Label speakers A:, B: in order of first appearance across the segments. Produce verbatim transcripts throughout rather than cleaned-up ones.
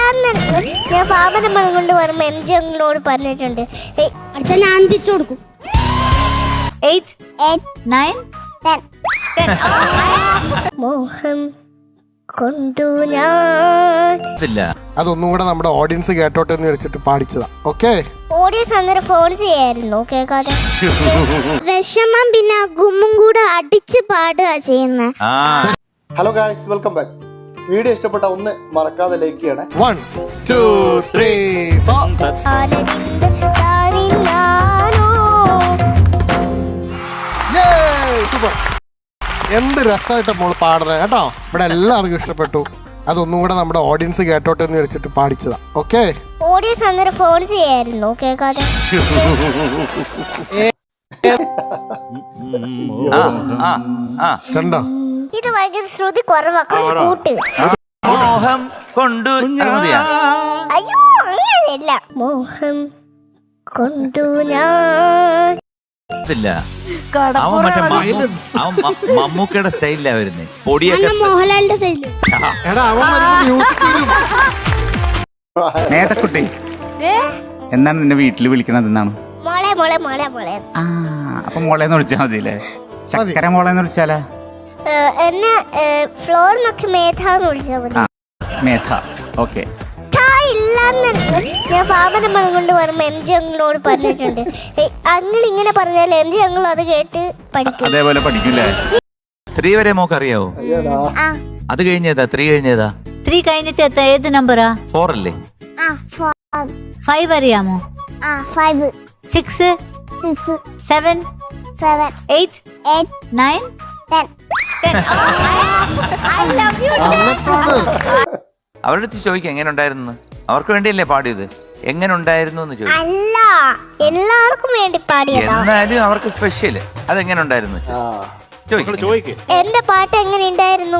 A: ഇല്ലാന്ന് ഞാൻ പാപന്റെ മണം കൊണ്ട് വരുമ്പോ എം ജി അങ്കിളിനോട് പറഞ്ഞിട്ടുണ്ട്.
B: അടുത്ത ഞാൻ തിരിച്ചു കൊടുക്കും.
C: എയ്റ്റ് നയൻ
A: മോഹം കൊണ്ടു ഞാൻ.
D: അതൊന്നും കൂടെ നമ്മുടെ ഓഡിയൻസ് കേട്ടോട്ടെ എന്ന് വെച്ചിട്ട് പാടിച്ചതാ. ഓക്കെ,
A: ഓഡിയൻസ് അന്നേരം ഫോൺ ചെയ്യായിരുന്നു കേൾക്കാതെ.
B: വിഷമം പിന്നെ ഗുമ്മും കൂടെ അടിച്ച് പാടുക ചെയ്യുന്നത്.
E: Hello guys, welcome back. Video ഇഷ്ടപ്പെട്ട ഒന്ന് മറക്കാതെ ലൈക്ക് ചെയ്യണേ.
D: One two three four. Super, എന്ത് രസമായിട്ട് മോള് പാടണേ കേട്ടോ. ഇവിടെ എല്ലാവർക്കും ഇഷ്ടപ്പെട്ടു. അതൊന്നും കൂടെ നമ്മുടെ ഓഡിയൻസ് കേട്ടോട്ടെ എന്ന് വെച്ചിട്ട് പാടിച്ചതാ. ഓക്കെ,
A: ഓഡിയൻസ് അന്നേരം ഫോൺ ചെയ്യായിരുന്നു കേൾക്കാതെ.
D: കണ്ടോ,
A: ഇത് ഭയങ്കര ശ്രുതി കുറവാ, കുറച്ച് കൂട്ട്.
F: മോഹം കൊണ്ടു
A: അയ്യോ അങ്ങനെയല്ല. മോഹം കൊണ്ടു ഞാൻ.
F: അവൻ മറ്റേ അവൻ മമ്മൂക്കയുടെ സ്റ്റൈലിലാ വരുന്നേ. പൊടിയൊക്കെ
B: മോഹൻലാലിന്റെ സൈഡില്.
D: എടാ അവൻ മ്യൂസിക്
G: നേതക്കുട്ടി, എന്നാണ് നിന്നെ വീട്ടിൽ വിളിക്കണത്? എന്നാണ്
A: മോളെ മോളെ മോളെ മോളെ.
G: ആ, അപ്പൊ മോളേന്ന് വിളിച്ചാ മതിയല്ലേ? ചക്കര മോളേന്ന് വിളിച്ചാലേ?
A: എന്നെ ഫ്ലോറിനൊക്കെ മേധാന്ന് വിളിച്ചാൽ മതി.
G: മേധ. ഓക്കെ,
A: ഇല്ലാന്ന് ഞാൻ പാപന്റെ മണം കൊണ്ട് വരുമ്പോ എം ജി അങ്കിളിനോട് പറഞ്ഞിട്ടുണ്ട്. അങ്കിൾ ഇങ്ങനെ പറഞ്ഞാൽ എം ജി അങ്കിൾ അത് കേട്ട് പഠിക്കും.
G: അതേപോലെ പഠിക്കില്ലേ?
F: ത്രീ വരെ മോക്ക് അറിയാവോ? അത് കഴിഞ്ഞതാ ത്രീ കഴിഞ്ഞതാ?
C: ത്രീ കഴിഞ്ഞിട്ട് എത്ര ഏത് നമ്പറാ?
F: ഫോർ അല്ലേ?
C: ഫൈവ് അറിയാമോ?
A: Five
C: six
A: six
C: seven
A: seven
C: eight
A: eight
C: nine
A: ten.
C: I love you.
F: അവരുടെ അടുത്ത് ചോദിക്കാം എങ്ങനെ ഉണ്ടായിരുന്നു. അവർക്ക് വേണ്ടിയല്ലേ പാടിയത്. എങ്ങനെ ഉണ്ടായിരുന്നു എന്ന് ചോദിക്കും.
A: അല്ല, എല്ലാവർക്കും വേണ്ടി പാടിയതാ.
F: എന്നാലും അവർക്ക് സ്പെഷ്യൽ. അതെങ്ങനെ ഉണ്ടായിരുന്നു ചോദിക്കും.
A: എന്റെ പാട്ട് എങ്ങനെ ഉണ്ടായിരുന്നു?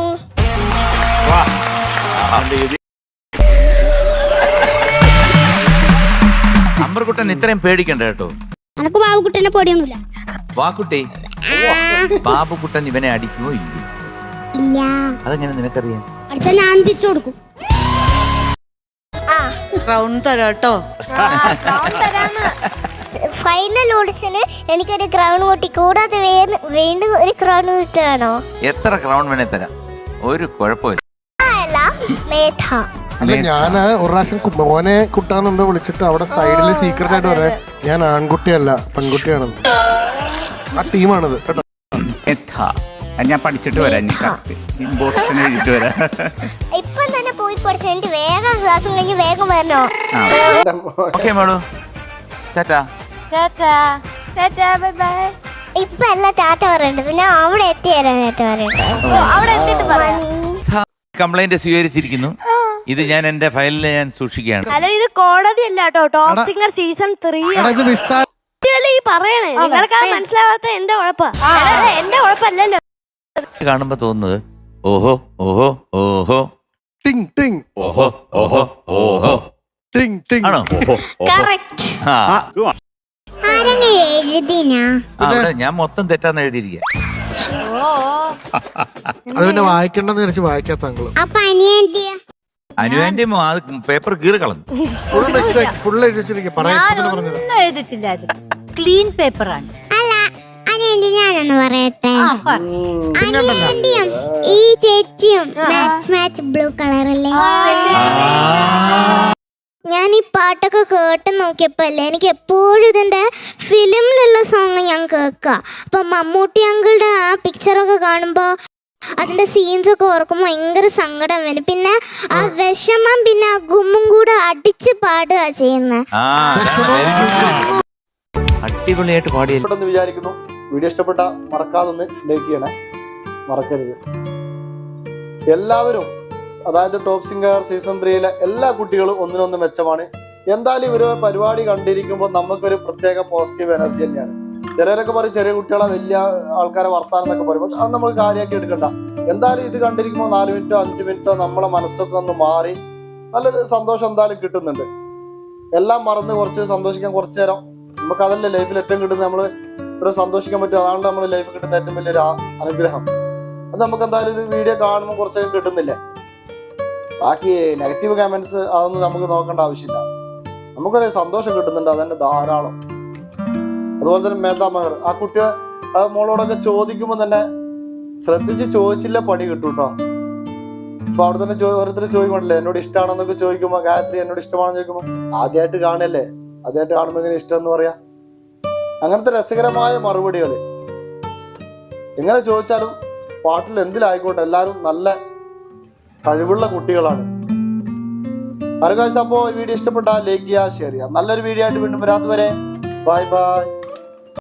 F: അമ്പർകുട്ടൻ ഇത്രയും പേടിക്കണ്ട കേട്ടോ.
B: എനക്ക് ബാബുക്കുട്ടനെ പൊടിയൊന്നുമില്ല.
F: വാക്കുട്ടി, ബാബുക്കുട്ടൻ ഇവനെ അടിക്കുമോ ഇല്ല?
B: ഇല്ല.
F: അതെങ്ങനെ നിനക്കറിയാം?
B: അടുത്ത ഞാൻ തിരിച്ചു കൊടുക്കും.
C: ക്രൗൺ തരാട്ടോ.
A: ഫൈനൽ ഓഡിഷന് എനിക്കൊരു ക്രൗൺ കൂട്ടി, കൂടാതെ വീണ്ടും ഒരു ക്രൗൺ കിട്ടുകയാണോ?
F: എത്ര ക്രൗൺ വേണേ തരാം, ഒരു കുഴപ്പമില്ല.
A: അല്ല മേധ.
D: അല്ല, ഞാന് ഒരു പ്രാവശ്യം മോനെ കുട്ടാന്നെന്തോ വിളിച്ചിട്ട് അവിടെ സൈഡില് സീക്രട്ട് ആയിട്ട് പറയാം, ഞാൻ ആൺകുട്ടിയല്ല പെൺകുട്ടിയാണെന്ന്. ആ ടീമാണിത് കേട്ടോ.
G: ഞാൻ പഠിച്ചിട്ട് വരാം, ഇമ്പോർട്ടൻ എഴുതിട്ട് വരാം.
A: ഇപ്പം തന്നെ പോയി പഠിച്ച എനിക്ക് വേഗം ക്ലാസ് കഴിഞ്ഞ് വേഗം വരണോ?
F: ഓക്കേ മോളു, ടാറ്റാ.
A: ഇപ്പൊ അല്ല ടാറ്റ പറയേണ്ടത്, ഞാൻ അവിടെ എത്തിയരാൻ ടാറ്റ പറയട്ടെ.
F: കംപ്ലൈന്റ് സ്വീകരിച്ചിരിക്കുന്നു. ഇത് ഞാൻ എന്റെ ഫയലിൽ ഞാൻ സൂക്ഷിക്കുകയാണ്.
B: അല്ല, ഇത് കോടതി അല്ല കേട്ടോ, ടോപ്പ് സിംഗർ സീസൺ ത്രീ ഈ പറയണേ. നിങ്ങൾക്ക് മനസ്സിലാവാത്ത എന്റെ ഉഴപ്പാ, എന്റെ ഉഴപ്പല്ലല്ലോ.
F: കാണുമ്പോ തോന്നുന്നത് ഓഹോ ഓഹോ ഓഹോ
D: ടിങ് ടിങ്
F: ഓഹോ ഓഹോ ഓഹോ
D: ടിങ് ടിങ്
F: ആണോ? ആ അവിടെ ഞാൻ മൊത്തം തെറ്റാന്ന് എഴുതിയിരിക്കുക.
D: അത് പിന്നെ വായിക്കണ്ടെന്ന് വിചാരിച്ച് വായിക്കാത്ത അങ്ങള്.
B: അപ്പൊ അനിയന്റിയ
F: അനുവേന്റെ പേപ്പർ കീറി കളഞ്ഞു.
D: ഫുൾ മിസ്റ്റേക്ക്, ഫുൾ എഴുതിച്ചിരിക്കുക.
C: ഒന്നും എഴുതിട്ടില്ല, അത് ക്ലീൻ പേപ്പറാണ്.
B: അല്ല അനിയന്റി, ഞാനൊന്ന് പറയട്ടെ.
C: ആ, പറ.
B: അനിയന്റിയും ഈ ചേച്ചിയും മാച്ച് മാച്ച് ബ്ലൂ കളറല്ലേ? ഞാൻ ഈ പാട്ടൊക്കെ കേട്ട് നോക്കിയപ്പോ അല്ലേ, എനിക്ക് എപ്പോഴും ഇതിന്റെ ഫിലിമിലുള്ള സോങ് ഞാൻ കേൾക്കാം. അപ്പൊ മമ്മൂട്ടി അങ്കിളുടെ ആ പിക്ചറൊക്കെ കാണുമ്പോ അതിന്റെ സീൻസ് ഒക്കെ ഓർക്കുമ്പോ ഭയങ്കര സങ്കടം വരും. പിന്നെ ആ വിഷമം പിന്നെ ആ ഗുമ്മും കൂടെ അടിച്ച് പാടുക ചെയ്യുന്നത്.
F: അടിപൊളിയായിട്ട് പാടിയെന്ന്
E: വിചാരിക്കുന്നു. വീഡിയോ ഇഷ്ടപ്പെട്ട മറക്കാതെ ഒന്ന് ലൈക്ക് ചെയ്യണേ, മറക്കരുത്. എല്ലാവരും, അതായത് ടോപ്പ് സിംഗർ സീസൺ ത്രീയിലെ എല്ലാ കുട്ടികളും ഒന്നിനൊന്ന് മെച്ചമാണ്. എന്തായാലും ഇവര് പരിപാടി കണ്ടിരിക്കുമ്പോൾ നമുക്കൊരു പ്രത്യേക പോസിറ്റീവ് എനർജി തന്നെയാണ്. ചിലരൊക്കെ പറയും ചെറിയ കുട്ടികളെ വലിയ ആൾക്കാരെ വർത്താനം എന്നൊക്കെ പറയും, പക്ഷെ അത് നമ്മൾ കാര്യമാക്കി എടുക്കണ്ട. എന്തായാലും ഇത് കണ്ടിരിക്കുമ്പോൾ നാല് മിനിറ്റോ അഞ്ച് മിനിറ്റോ നമ്മളെ മനസ്സൊക്കെ ഒന്ന് മാറി നല്ലൊരു സന്തോഷം എന്തായാലും കിട്ടുന്നുണ്ട്. എല്ലാം മറന്ന് കുറച്ച് സന്തോഷിക്കാൻ കുറച്ചു നേരം, നമുക്ക് അതല്ലേ ലൈഫിൽ ഏറ്റവും കിട്ടുന്നത്. നമ്മൾ ഇത്ര സന്തോഷിക്കാൻ പറ്റും, അതാണ് നമ്മുടെ ലൈഫിൽ കിട്ടുന്ന ഏറ്റവും വലിയൊരു അനുഗ്രഹം. അത് നമുക്ക് എന്തായാലും ഇത് വീഡിയോ കാണുമ്പോൾ കുറച്ചൊക്കെ കിട്ടുന്നില്ലേ. ബാക്കി നെഗറ്റീവ് കമന്റ്സ് അതൊന്നും നമുക്ക് നോക്കേണ്ട ആവശ്യമില്ല. നമുക്കൊരു സന്തോഷം കിട്ടുന്നുണ്ട്, അതന്നെ ധാരാളം. അതുപോലെ തന്നെ മേധാ മഹർ ആ കുട്ടി ആ മോളോടൊക്കെ ചോദിക്കുമ്പോൾ തന്നെ ശ്രദ്ധിച്ച് ചോദിച്ചില്ല പണി കിട്ടും കേട്ടോ. അപ്പൊ അവിടെ തന്നെ ഓരോരുത്തർ ചോദിക്കണ്ടല്ലേ എന്നോട് ഇഷ്ടമാണെന്നൊക്കെ ചോദിക്കുമ്പോ, ഗായത്രി എന്നോട് ഇഷ്ടമാണെന്ന് ചോദിക്കുമ്പോ ആദ്യമായിട്ട് കാണല്ലേ, ആദ്യമായിട്ട് കാണുമ്പോ ഇങ്ങനെ ഇഷ്ടം എന്ന് പറയാ. അങ്ങനത്തെ രസകരമായ മറുപടികള് എങ്ങനെ ചോദിച്ചാലും പാട്ടിൽ എന്തിലായിക്കോട്ടെ എല്ലാവരും നല്ല കഴിവുള്ള കുട്ടികളാണ്. ആർക്കാഴ്ച അപ്പോ വീഡിയോ ഇഷ്ടപ്പെട്ടാൽ ലൈക്ക് ചെയ്യുക, ഷെയർ ചെയ്യുക. നല്ലൊരു വീഡിയോ ആയിട്ട് വീണ്ടും വരാത്തവരെ ബൈ ബൈ.